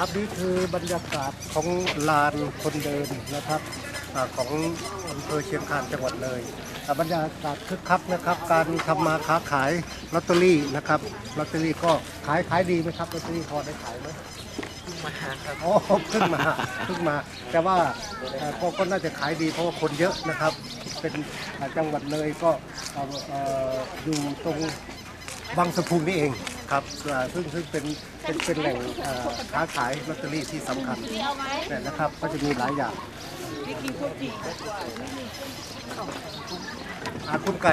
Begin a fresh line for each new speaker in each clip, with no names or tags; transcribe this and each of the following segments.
ครับนี่คือบรรยากาศของลานคนเดินนะครับของอำเภอเชียงคานจังหวัดเลยบรรยากาศคึกคักนะครับการทำมาค้าขายลอตเตอรี่นะครับลอตเตอรี่ก็ขายดีไหมครับลอตเตอรี่พอได้ขายไหม
มาครับ
อ๋อเพิ่งมาแต่ว่าก็น่าจะขายดีเพราะว่าคนเยอะนะครับเป็นจังหวัดเลยก็อยู่ตรงบางสะพุงนี่เองครับซึ่งเป็นแหล่งค้าขายลอตเตอรี่ที่สำคัญเนี่ยนะครับก็จะมีหลายอย่างคุณไก่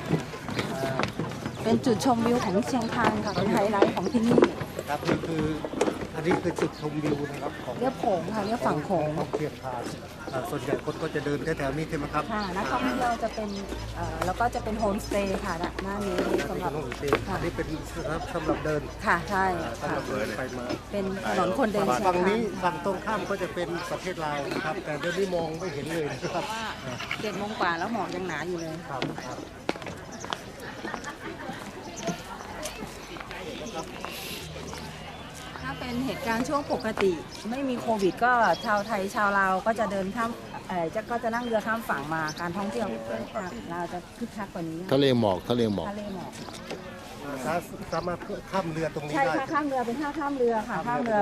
เป็นจุดชมวิวของเชียงคานค่ะเป็นไฮไลท์ของที่นี่
ครับนี่คืออันนี้คือจุดชมวิวนะครับของ
เรียบโขงค่ะเรียบฝั่งโขง
ของเชียงคานส่วนใหญ่คนก็จะเดินแถวๆนี้ใช่ไหมครับ
ค่ะนักท่องเที่ยวจะเป็นแล้วก็จะเป็นโฮมสเตย์ค่ะหน้านี้สำหรับ
อันนี้เป็นสำหรับเดิน
ค่ะใช่
สำหรับเดินไปมา
เป็นถนนคนเดิน
ฝั่งนี้ฝั่งตรงข้ามก็จะเป็นประเทศลาวนะครับแต่เดี๋ยวนี้มองไม่เห็นเลยนะครับ
7 โมงกว่าแล้วหมอกยังหนาอยู่เลย
ครับ
ถ้าเป็นเหตุการณ์ช่วงปกติไม่มีโควิดก็ชาวไทยชาวลาวก็จะเดินข้ามก็จะนั่งเรือข้ามฝั่งมาการท่องเที่ยวเราจะคึกคักกว่านี้
ทะเลหมอก
สามารถข้ามเรือตรงนี้ได้
ใช่ค่ะข้ามเรือเป็นท่าข้ามเรือค่ะข้ามเรือ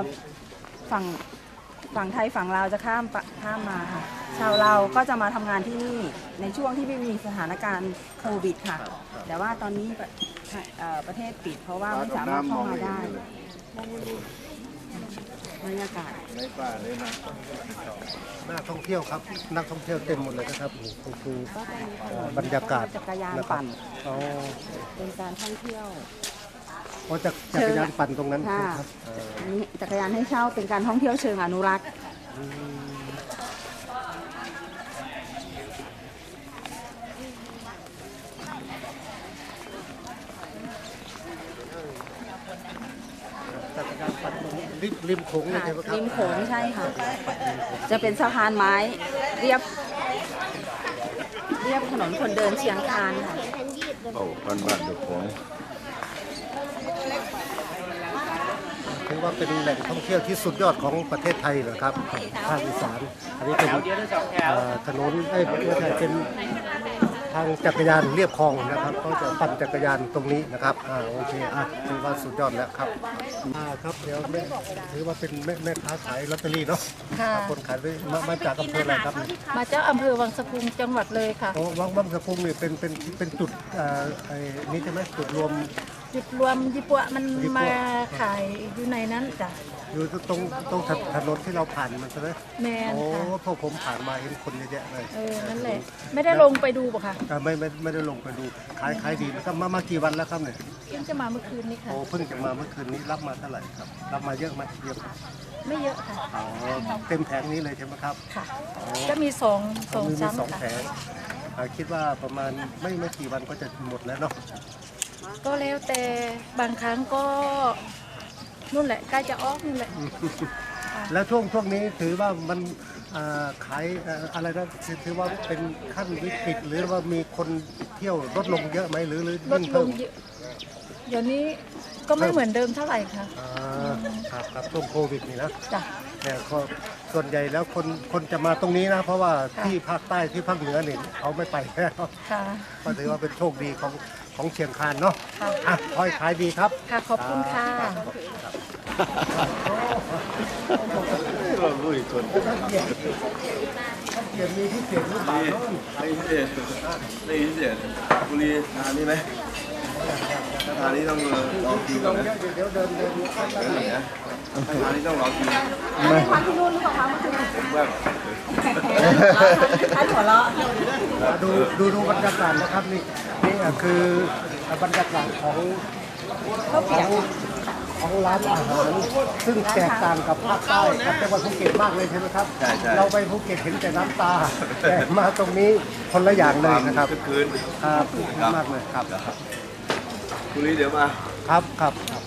ฝั่งไทยฝั่งลาวจะข้ามมาค่ะชาวลาวก็จะมาทำงานที่นี่ในช่วงที่ไม่มีสถานการณ์โควิดค่ะแต่ว่าตอนนี้ประเทศปิดเพราะว่าไม่สามารถเข้ามาได้บรรยากาศในป่าเลยนะ
นักท่องเที่ยวครับนักท่องเที่ยวเต็มหมดเลยนะครับคือบรรยากาศ
จักรยานปั่นเป็นการท่องเที่ยว
จักรยานปั่นตรงนั้น
ครับนี่จักรยานให้เช่าเป็นการท่องเที่ยวเชิงอนุรักษ์
ริมโขงเลยใช่ไหมครับ
ริมโขงใช่ค่ะจะเป็นสะพานไม้เรียบถนนคนเดินเชียงคานค่ะ
บ้านเดือดของ
ถือว่าเป็นแหล่งท่องเที่ยวที่สุดยอดของประเทศไทยเลยครับภาคอีสานอันนี้เป็นถนนเป็นทางจักรยานเรียบคลองนะครับก็จะปั่นจักรยานตรงนี้นะครับโอเคถือว่าสุดยอดแล้วครับครับเดี๋ยวถือว่าเป็นแม่ค้าขายลอตเตอรี่เนาะคนขายมาจากอำเภออะไรครับ
มาจากอำเภอวังสะพุงจังหวัดเลยค่ะ
วังสะพุงนี่เป็นจุดนี้ใช่ไหมจุดรวม
ญี่ปุ่นมันมาขายอยู่ในนั้นจ้ะ
อยู่ตรงถนนที่เราผ่านมันใช่ไหม
แม่นค่ะ
พวกผมผ่านมาเห็นคนเยอะแยะเลย
นั่นแหละไม่ได้ลงไปดูป่ะคะ
ไม่ได้ลงไปดูขายดีนะครับมากี่วันแล้วครับเนี่ย
เพิ่งจะมาเมื่อคืนนี้ค่ะ
โอ้เพิ่งจะมาเมื่อคืนนี้รับมาเท่าไหร่ครับรับมาเยอะไหมเยอะ
ไม่เยอะค่ะ
เต็มแผงนี้เลยใช่ไหมครับ
ค่ะจะมีสอง
แผงคิดว่าประมาณไม่กี่วันก็จะหมดแล้วเนาะ
ก็แล้วแต่บางครั้งก็นู่นแหละใกล้จะออกนู่นแหละ
แล้วช่วงนี้ถือว่ามันขายอะไรนะถือว่าเป็นขั้นวิกฤตหรือว่ามีคนเที่ยวลดลงเยอะไหมหรือ
ลดลงเยอะเดี๋ยวนี้ก็ไม่เหมือนเดิมเท่าไหร่ค่ะ
ครับช่วงโควิดนี่นะ
จ้ะ
เนี่ยส่วนใหญ่แล้วคนจะมาตรงนี้นะเพราะว่าที่ภาคใต้ที่ภาคเหนือเนี่ยเขาไม่ไปแล้วก็ถือว่าเป็นโชคดีของเชียงคานเนาะขอให้ขายดีครับ
ค่ะขอบคุณค่ะ
เราลุยคน
เดี๋ยวมีที่เสียงหรือเปล่า
ได้ยินเสียงบุรีทานนี่ไหมทานนี่ต้องรอคิวก่อนนะ
เดี๋ยวเดิน
นะทานนี่ต้องรอคิว
ไม่ทานที่นู่นหรือเปล่าคะเมื่อคืน
แบบ
ท่านหัวเราะ
ดูบรรยากาศนะครับนี่คือบรรยากาศของร้านอาหารซึ่งแตกต่างกับภาคใต้กับจังหวัดภูเก็ตมากเลยใช่ไหมครับเราไปภูเก็ตเห็นแต่น้ำตาแต่มาตรงนี้คนละอย่างเลยนะครับ
คืน
มากเลยครับ
บุรีเดี๋ยวมา
ครับ